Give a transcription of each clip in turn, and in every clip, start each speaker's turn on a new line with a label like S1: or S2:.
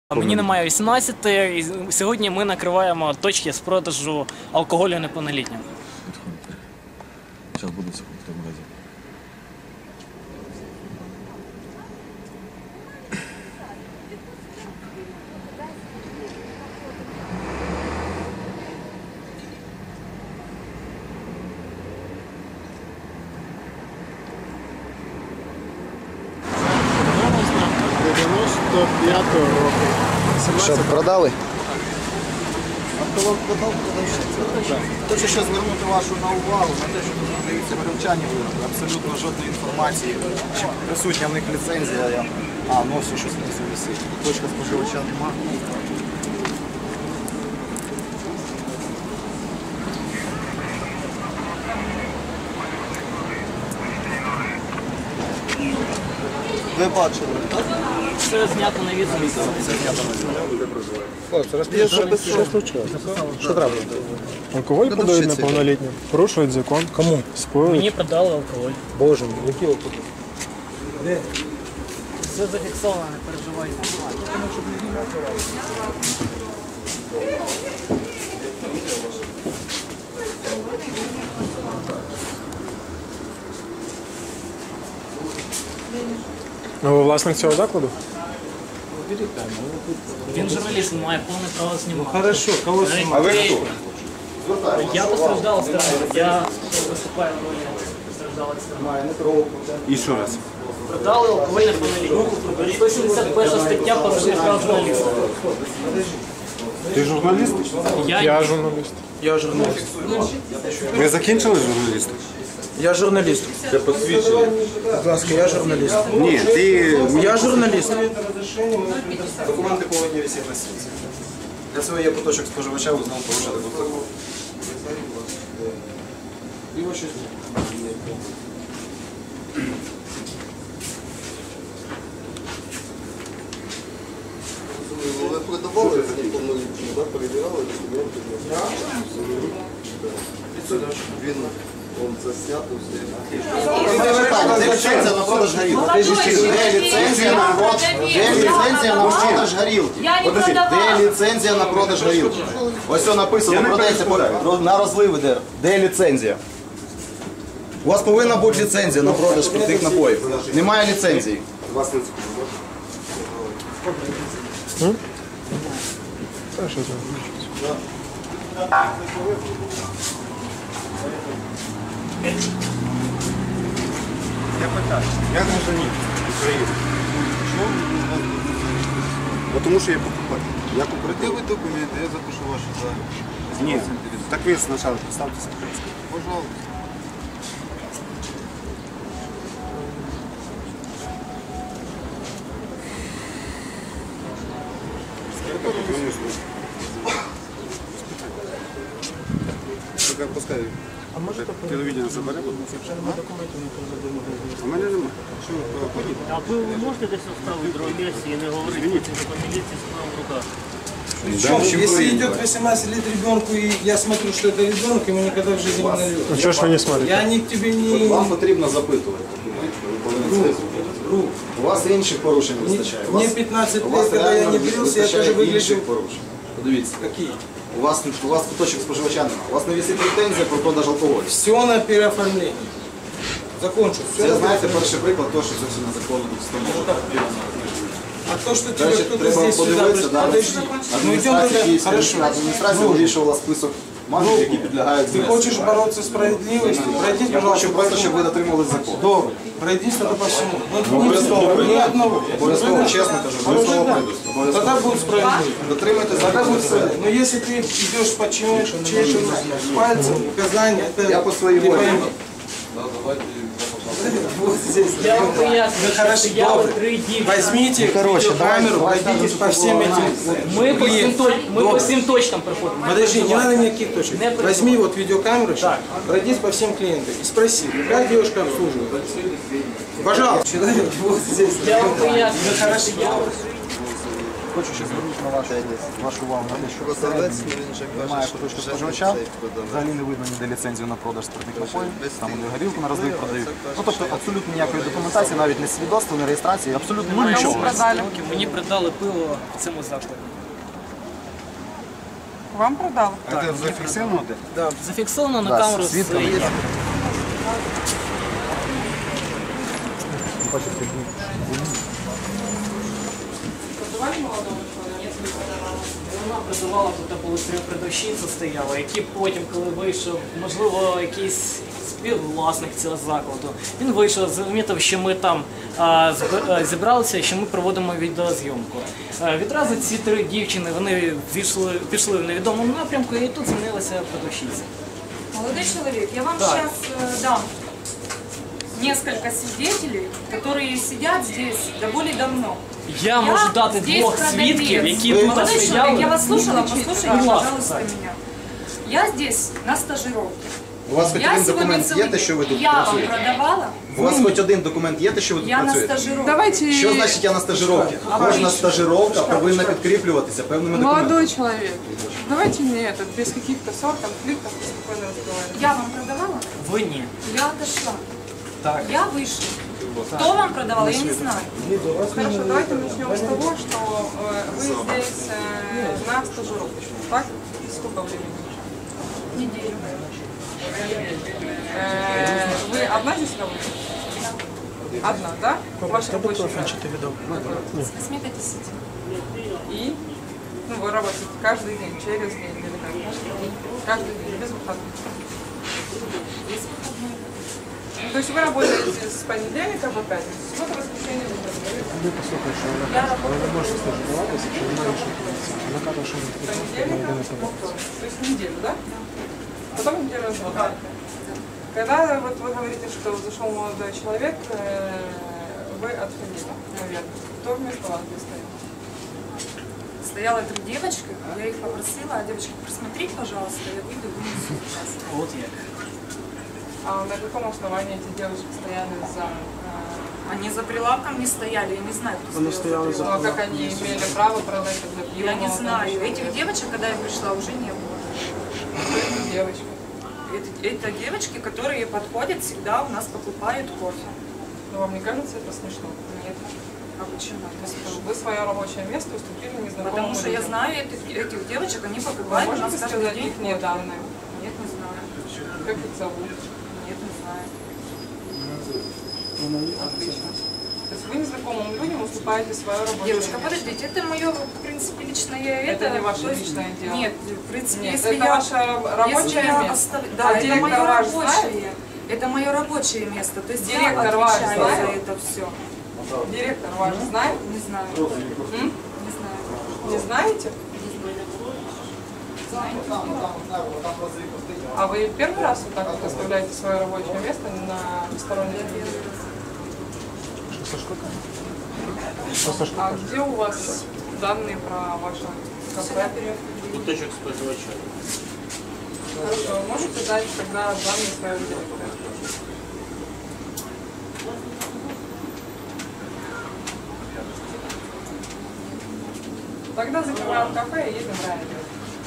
S1: Мені немає 18, і сьогодні ми накриваємо точки з продажу алкоголю неповнолітнім.
S2: Зараз буде секунду в магазині.
S3: Що, продали?
S4: Автолог продав, хочу ще звернути вашу увагу на те, що тут продаються горілчані вироби. Абсолютно жодної інформації, чи присутня в них ліцензія. Ось щось внизу висить. Точка споживача немає. Ви бачили?
S1: Все знято на відео.
S3: Що случилось? Що трапилось? Алкоголь подають неповнолітнім? Порушують закон. Кому? Споюють.
S1: Мені продали алкоголь.
S3: Боже мій, який алкоголь?
S1: Все зафіксовано, не переживайте.
S3: Ви власник цього закладу?
S1: Він журналіст, він має повне право знімати.
S3: Хорошо, кого знімати?
S4: А ви хто?
S1: Я постраждала сторону. Я виступаю в ролі постраждалої сторони.
S2: І ще раз.
S1: Продали алкоголь неповнолітнім. 171 стаття порушення прав журналіста.
S2: Ти журналіст?
S3: Я журналіст.
S5: Я журналіст.
S2: Ви закінчили журналіст?
S5: Я журналіст.
S2: Це посвідчення.
S5: Будь ласка, я журналіст.
S2: Ні, ти...
S5: Я журналіст.
S4: Документи повинні висіти на стільці. Для цього є куточок споживача, ви знову порушити протокол.
S6: Ви продавали неповнолітнім, так? Перевіряли документи? Він це знято все.
S4: Де ліцензія на продаж горілки? Де ліцензія на продаж горілки? Де ліцензія на продаж горілки? Ось все написано, продається на розлив іде. Де ліцензія? У вас повинна бути ліцензія на продаж спиртних напоїв. Немає ліцензії.
S3: Та що там?
S2: Я питаю, я гражданин України. Чому ви з вас будете? Тому що я покупатель. Я купив
S6: Документи, я запишу ваші дані.
S2: Ні, так ви спочатку представтеся.
S6: Пожалуйста.
S2: Только пускай. А може телевідення забере? А мене немає. Що ви ходите?
S7: А ви можете десь оставити другому місці і не говорити по міліції з правом в руках?
S5: Причем, если идет 18 лет ребенку, и я смотрю, что это ребенок, ему никогда в жизни не нальет.
S3: Ну чого ж ви не смотрите?
S5: Я не к тебе не...
S4: Вам потрібно запитувати. У вас інших порушень вистачає.
S5: Мне 15 лет, когда я не брился, я тоже выглядел...
S4: порушень. Подивіться.
S5: Какие?
S4: У вас куточок споживача немає. У вас не висить претензія про продаж алкоголю.
S5: Все на переоформлении. Закончу. Все
S4: Це, знаєте, перший приклад того, що зовсім незаконно тут встановлено.
S5: А то, что тебе
S4: Дальше
S5: кто-то
S4: треба
S5: здесь сюда...
S4: подивитися, да,
S5: Подожди. Ну идем туда. Хорошо.
S4: адміністрація вирішувала список марків, які підлягають
S5: Ты
S4: знесенню.
S5: хочешь бороться с справедливостью? Пройдись,
S4: Я
S5: пожалуйста,
S4: хочу просто, щоб ви дотримувалися закону.
S5: Добре. Пройдись тогда по всему. Ну,
S4: Обов'язково
S5: ни одного.
S4: Обов'язково, чесно кажу, обов'язково пройдусь.
S5: Тогда
S4: Обов'язково.
S5: будет справедливо.
S4: Дотримуйтесь
S5: Тогда
S4: закону.
S5: будет справедливо. Но если ты идешь по чьей-то пальцем, указания, это
S4: Я по своей
S5: не
S4: воле.
S5: поймешь. Вот здесь.
S1: Я вам пояснюю,
S5: Хорошо,
S1: що я
S5: добре.
S1: три дні.
S5: Возьмите видеокамеру, пройдитесь по всем этим.
S1: Ми по всім
S5: Добре.
S1: точкам приходимо.
S5: Подожди, не надо никаких точек.
S1: Не
S5: Возьми вот видеокамеру, сейчас, пройдись по всем клиентам и спроси, какая девушка обслуживает. Пожалуйста. Человек вот здесь.
S1: Я вам пояснюю,
S5: Хорошо.
S4: хочу ще звернути на вашу увагу на те, що
S6: Продавець, він же
S4: немає
S6: каже, що
S4: куточка
S6: вже
S4: споживача,
S6: цей продавець.
S4: взагалі не видно ніде ліцензію на продаж спиртних напоїв,
S6: без
S4: там вони
S6: слів.
S4: горілку на розлив продають.
S6: це каже,
S4: Ну тобто абсолютно ніякої документації, навіть не свідоцтва, не реєстрації, абсолютно нічого.
S1: Мені придали пиво в цьому закладі.
S8: Вам продали?
S2: Це зафіксировано де?
S1: Да, зафіксовано на
S4: Да,
S1: камеру.
S4: свідками є.
S8: Продавали молодому человеку?
S1: Вона призивала, тут були три продавщиці стояли, які потім, коли вийшов, можливо, якийсь співвласник цього закладу, він вийшов, замітив, що ми там зібралися, що ми проводимо відеозйомку. Відразу ці три дівчини, вони пішли в невідомому напрямку, і тут змінилася продавщиця.
S9: Молодой человек, я вам сейчас дам несколько свидетелей, которые сидят здесь довольно давно.
S1: Я можу дати
S9: здесь
S1: двох
S9: продавец.
S1: свідків, які тут
S9: Молодой человек, я
S1: стояли.
S9: вас слушала, послушайте,
S1: Будь ласка,
S9: пожалуйста,
S1: так.
S9: меня. Я здесь на стажировке.
S4: У вас хоч
S9: Я
S4: один
S9: сегодня
S4: документ є, те, що ви тут
S9: я вам
S4: працюєте?
S9: продавала,
S4: У вас хоч один документ є, те, що ви тут
S9: я на
S4: працюєте?
S9: стажировке.
S8: Давайте...
S4: Що значить я на стажировці? Кожна стажировка повинна підкріплюватися певними документами.
S8: Молодой человек, давайте не этот, без каких-то ссор, конфликтов, спокойно разговаривать.
S9: Я вам продавала?
S1: Ви ні.
S9: Я отошла.
S1: Так.
S9: Я вышла. Кто вам продавал, я не знаю.
S8: Хорошо, давайте начнем с того, что вы здесь на стажировке, так? Сколько времени?
S9: Неделю.
S8: Вы одна здесь работаете? Одна, да? Ваш рабочий график.
S9: С 8 до 10.
S8: И ну, вы работаете каждый день, через день или как? Каждый день, без выходных. Ну, то есть вы работаете с понедельника по пятницу, суббота, воскресенье,
S9: Я работаю.
S8: с понедельника по вторник. То есть неделю, да? Потом неделю работаете. Когда вот вы говорите, что зашел молодой человек, вы отходили, наверное. Кто вместо вас здесь стоял?
S9: Стояла три девочки, я их попросила, девочки, присмотрите, пожалуйста, я выйду, вынесу сейчас.
S1: От як.
S8: А на каком основании эти девушки стояли за...
S9: Они за прилавком не стояли, я не знаю, кто стоял за
S8: Ну, а как они имели право продать это для пива?
S9: Я не
S8: молодому
S9: знаю.
S8: человеку?
S9: Этих девочек, когда я пришла, уже не было.
S8: Кто эти девочки?
S9: Это девочки, которые подходят, всегда у нас покупают кофе.
S8: Ну, вам не кажется это смешно?
S9: Нет. А почему?
S8: Вы свое рабочее место уступили незнакомому
S9: Потому что я
S8: людям.
S9: знаю этих девочек, они
S8: Вы
S9: покупают у нас
S8: можете
S9: каждый
S8: сказать
S9: день
S8: их
S9: кофе.
S8: данные?
S9: Нет, не знаю.
S8: Как их зовут?
S9: Нет, не знаю.
S8: Отлично. То есть вы незнакомым людям уступаете свое рабочее
S9: Девушка,
S8: место?
S9: подождите, это мое, в принципе, личное
S8: Это не ваше
S9: то есть-
S8: личное дело?
S9: Нет, в принципе,
S8: Нет,
S9: если
S8: это
S9: я...
S8: ваше рабочее
S9: если я
S8: место.
S9: Да,
S8: А
S9: это
S8: директор
S9: мое
S8: ваш
S9: рабочее. Это мое рабочее место. То есть
S8: Директор
S9: я
S8: ваш
S9: отвечаю
S8: знает?
S9: за это все.
S8: Директор ваш знает?
S9: Не знаю.
S8: М?
S9: Не знаю.
S8: Не знаете? А вы первый раз вот так вот оставляете свое рабочее место на посторонних людей? А где у вас данные про ваше кафе?
S7: Куточок споживача.
S8: Хорошо, вы можете дать тогда данные своего директора? Тогда закрываем кафе и едем в район.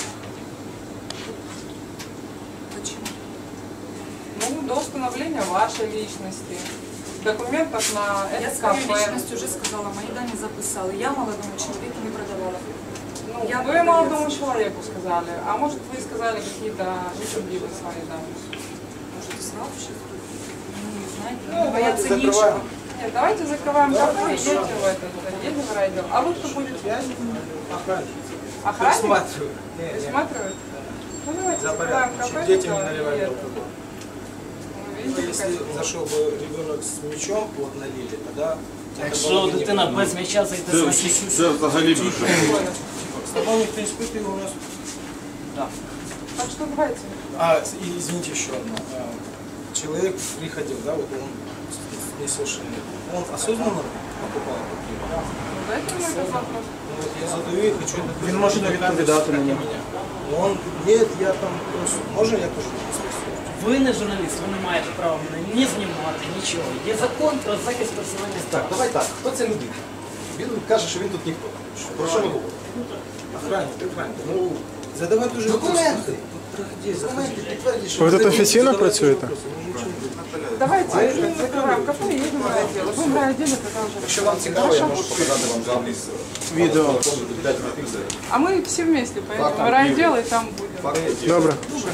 S9: Почему?
S8: Ну, до установления вашей личности, документов на
S9: Я
S8: это
S9: свою
S8: кафе.
S9: личность уже сказала, мои данные записала. Я молодому человеку не продавала.
S8: Ну,
S9: Я
S8: вы
S9: продавец.
S8: молодому человеку сказали, а может вы сказали какие-то несправедливые свои данные.
S9: Может, и сразу сейчас? Ну, не знаю.
S8: Ну,
S9: Бояться
S8: давайте
S9: нечего.
S8: закрываем. Нет, давайте закрываем кафе и едем в этот, едем в райотдел. А вы кто будет? Охранник? Присматривает? Ну, давайте закрываем кафе.
S5: детям не
S8: тогда и
S5: наливать
S8: это.
S5: алкоголь.
S8: Ну, видите,
S5: Если
S8: какая
S5: зашел бы ребенок с мячом, вот налили, тогда...
S1: Якщо дитина без м'яча зайде, значить...
S2: Це взагалі дуже.
S8: спокойно.
S5: С тобой никто не испытывал у нас.
S8: Так что давайте.
S5: И извините еще одно. Человек приходил, да, вот он несовершенный. Он осознанно покупал такие?
S8: Дайте мне этот вопрос.
S5: Ну, вот я задаю и хочу...
S3: Він може не відповідати мені.
S5: Он, нет, я там просто... Можно я тоже спросил?
S1: Ви не журналіст, ви не маєте права мене ні знімати, нічого. Є закон про захист персональних
S4: Так,
S1: прав.
S4: давай так. Хто ця людина? Він каже, що він тут ніхто.
S5: Про що ви говорите? Охранник. Ну, задавайте уже
S4: Документи.
S5: Документи підтвердіть,
S3: Ви тут офіційно працюєте?
S8: Давайте закрываем кафе и едем в райотдел. Будем в райотделе, тогда уже.
S5: Якщо вам цікаво, я можу показати вам запис.
S3: Відео.
S8: А мы все вместе поедем в райотдел и там будем.
S3: Добре.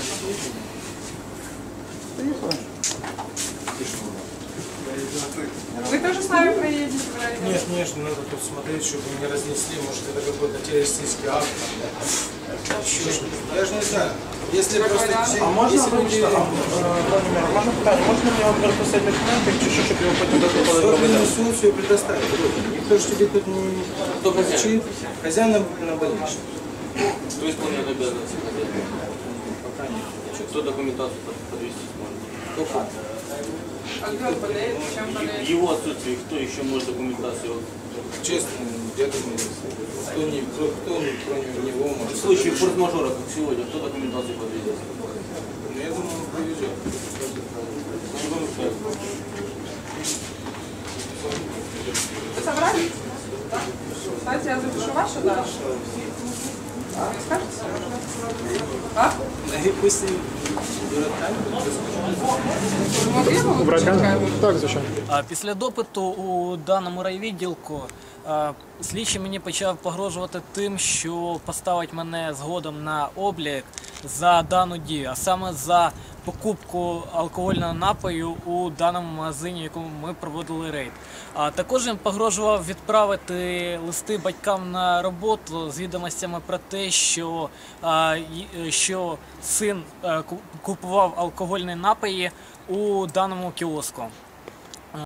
S8: Вы тоже с нами проедете в райотдел?
S5: Нет, конечно, надо тут смотреть, чтобы не разнесли, может это какой-то террористический акт. Еще что-то. Я же не знаю. Если просто...
S3: А можна вибачте, можна питання, можна мені вам переписати документи, чи що, щоб його потім додати?
S5: Собственную сумму предоставить. Никто же тебе тут не кричит. Хозяин на больничном.
S7: Кто исполняет обязанности хозяина?
S5: Пока нет.
S7: Кто документацию подвести сможет?
S5: Только
S8: А где он болеет? Чем
S7: В
S8: болеет?
S7: его отсутствии кто еще может документацию?
S5: честно, я думаю, кто кроме него
S7: В
S5: может...
S7: случае форс-мажора, как сегодня, кто документацию подведет?
S5: Ну, я думаю, он повезет.
S8: Вы собрались? Да? Кстати, я запишу вашу дальше. Вы скажете? А?
S5: Пусть и берет камеру.
S8: Вы могли бы
S3: Брати
S8: выключить
S3: камеру?
S8: камеру?
S3: Так, звичайно.
S1: Після допиту у даному райвідділку слідчий мені почав погрожувати тим, що поставить мене згодом на облік за дану дію, а саме за покупку алкогольного напою у даному магазині, в якому ми проводили рейд. Також він погрожував відправити листи батькам на роботу з відомостями про те, що син купував алкогольні напої у даному кіоску.